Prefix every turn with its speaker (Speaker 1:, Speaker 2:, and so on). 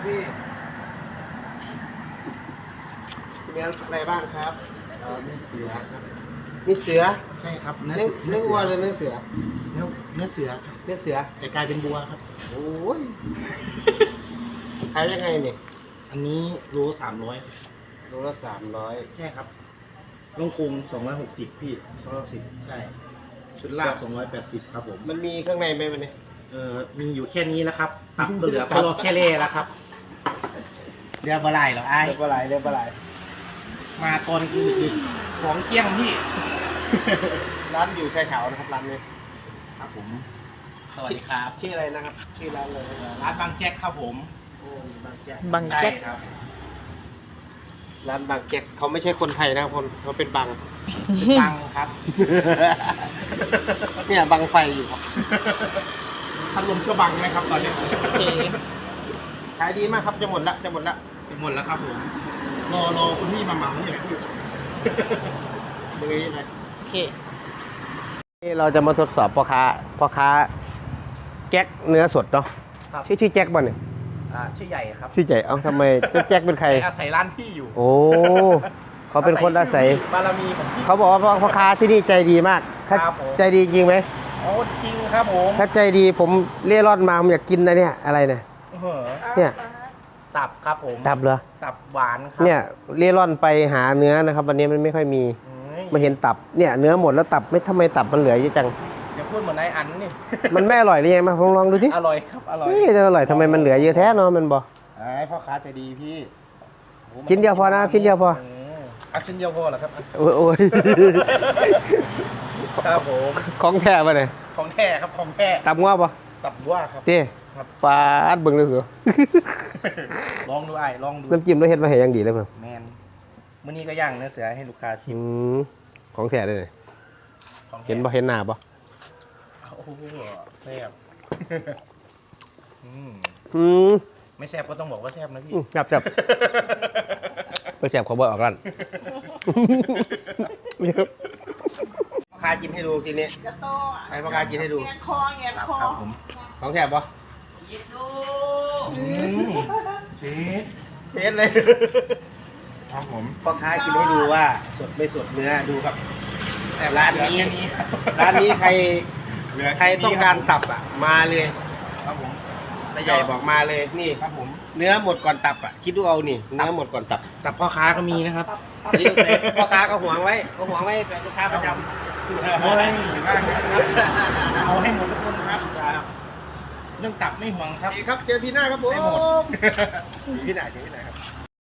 Speaker 1: พี่มีอะไรบ้างครับ
Speaker 2: มีเสือครับ
Speaker 1: มีเสือ
Speaker 2: ใช่ครับเนื้
Speaker 1: อวัวหรือเนื้อเสือ
Speaker 2: เนื้อเสือครับ
Speaker 1: เนื้อเสือ
Speaker 2: แต่กลายเป็นบัวครับ
Speaker 1: โอ้ยขายยังไงเนี่ย
Speaker 2: อันนี้โล300
Speaker 1: โลละ300
Speaker 2: ใช่ครับลงกรุง260พี่
Speaker 1: 210
Speaker 2: ใช่ชุดลาบ280ครับผม
Speaker 1: มันมีข้างในไหมมันเนี่ย
Speaker 2: มีอยู่แค่นี้แล้วครับตับก็เหลือก็รอแค่เล่แล้วครับเรียกว่าไรเหรอไอ้
Speaker 1: เรียกว่าอะไรเรียกว่าอะไร
Speaker 2: มาตอนดึกๆของเกี้ยงพี่
Speaker 1: ร้านอยู่ชายขาวนะครับร้านนี้
Speaker 2: ครับผม สวัสดีครับ
Speaker 1: ชื่ออะไรนะครับ ชื่อร้านเลย
Speaker 2: ร้านบางแจ็คครับผม
Speaker 1: บางแจ็ค
Speaker 3: บางแจ็ค
Speaker 2: ใช่ครับ
Speaker 1: ร้านบางแจ็คเขาไม่ใช่คนไทยนะครับคนเขาเป็นบาง
Speaker 2: เป็นบังครับ
Speaker 1: เนี่ยบังไฟอยู่ครับ
Speaker 2: พัดลมก็บังไหมครับตอนนี้
Speaker 3: โอเค
Speaker 1: ขายดีมากครับจะหมดละจะหมดละ
Speaker 2: จะหมดแล้วครับผม รอคุณพี่มาเหมาเนี่ยพี่
Speaker 1: มือยังไง
Speaker 3: โอเค
Speaker 1: นี่เราจะมาทดสอบพ่อค้าแจ็คเนื้อสดเนาะ
Speaker 2: ครับ
Speaker 1: ชื่อแจ็คบ่เนี่ย
Speaker 2: ชื่อใหญ่ครับ
Speaker 1: ชื่อใจเอ้าทำไมแจ็คเป็นใคร
Speaker 2: อาศัยร้านพี่อยู่
Speaker 1: โอ้เขาเป็นคนอาศัย
Speaker 2: บารมีของพี่
Speaker 1: เขาบอกว่าพ่อค้าที่นี่ใจดีมาก
Speaker 2: ครับผม
Speaker 1: ใจดีจริงไหม
Speaker 2: โอ้จริงครับผม
Speaker 1: ถ้าใจดีผมเล่ร่อนมาผมอยากกินนะเนี่ยอะไรเนี่ย เนี่ย
Speaker 2: ตับครับผม
Speaker 1: ตับเหรอ
Speaker 2: ตับหวานครั
Speaker 1: เนี่ยเล่ร่อนไปหาเนื้อนะครับ วันนี้มันไม่ค่อยมี มาเห็นตับเนี่ยเนื้อหมดแล้วตับไม่ทำไมตับมันเหลือเยอะจัง
Speaker 2: อย่าพูดเหมือนนายอันนี่
Speaker 1: มันไม่อร่อยหรือยังมาลองดูที่
Speaker 2: อร่อยครับอร่อย
Speaker 1: นี่จะอร่อยทำไมมันเหลือเยอะแท้เนาะมันบอก
Speaker 2: ไอ้พ่อค้าใจดีพี่
Speaker 1: ชิ้นเดียวพอนะชิ้นเดียวพอ
Speaker 2: เอาชิ้นเดียวพอเหรอครับ
Speaker 1: โอ้ย
Speaker 2: ครับผม
Speaker 1: ของแท้ป่ะเนี่ย
Speaker 2: ของแท้ครับของแท้
Speaker 1: ตับง้อป่ะ
Speaker 2: ตับวัวครับ
Speaker 1: เต้
Speaker 2: ครับ
Speaker 1: ปลาอัดเบิ่งเลยสิ
Speaker 2: ลองดูไอ้ลองดู
Speaker 1: น้ำจิ้มเราเฮ็ดมาให้อยังดีเลยเพิ่ง
Speaker 2: แมนมื้อนี้ก็ย่างเนื้อเสือให้ลูกค้าชิม
Speaker 1: ของแท้เลย
Speaker 2: ของแท้
Speaker 1: เห็นบ่เห็นหน้าป่ะ
Speaker 2: โอ้โหแซ่บ
Speaker 1: ม
Speaker 2: ไม่แซ่บก็ต้องบอกว่าแซ่บนะพี่
Speaker 1: จับไปแซ่บขอบ่ออกกันพ่อค้ากินให้ดูทีนี้
Speaker 3: จะโต
Speaker 1: ให้พ่อค้ากินให้ดู
Speaker 3: แงนคอแงนคอ
Speaker 2: ครับผม
Speaker 1: ของแท้ป่ะ
Speaker 3: ยิดดู
Speaker 2: เจ๊
Speaker 1: เฮ็ดเลย
Speaker 2: ครับผม
Speaker 1: พ่อค้ากินให้ดูว่าสดไม่สดเนื้อดูครับแต่ร้านนี้ใครต้องการตับอ่ะมาเลย
Speaker 2: ครับผม
Speaker 1: ตาใหญ่บอกมาเลยนี่
Speaker 2: ครับผม
Speaker 1: เนื้อหมดก่อนตับอ่ะคิดดูเอานี่เนื้อหมดก่อนตับ
Speaker 2: แต่พ่อค้าก็มีนะครับ
Speaker 1: นี่พ่อค้าก็หวงไว้แต่ลูกค้าประจำ
Speaker 2: เอาให้หมดบ้างนะครับเอาให้หมดทุกคนครับเรื่องตับไม่ห่วงครับ
Speaker 1: โอเคครับเจอพี่หน้าครับผม
Speaker 2: ให้หมด
Speaker 1: พี่หน้าครับ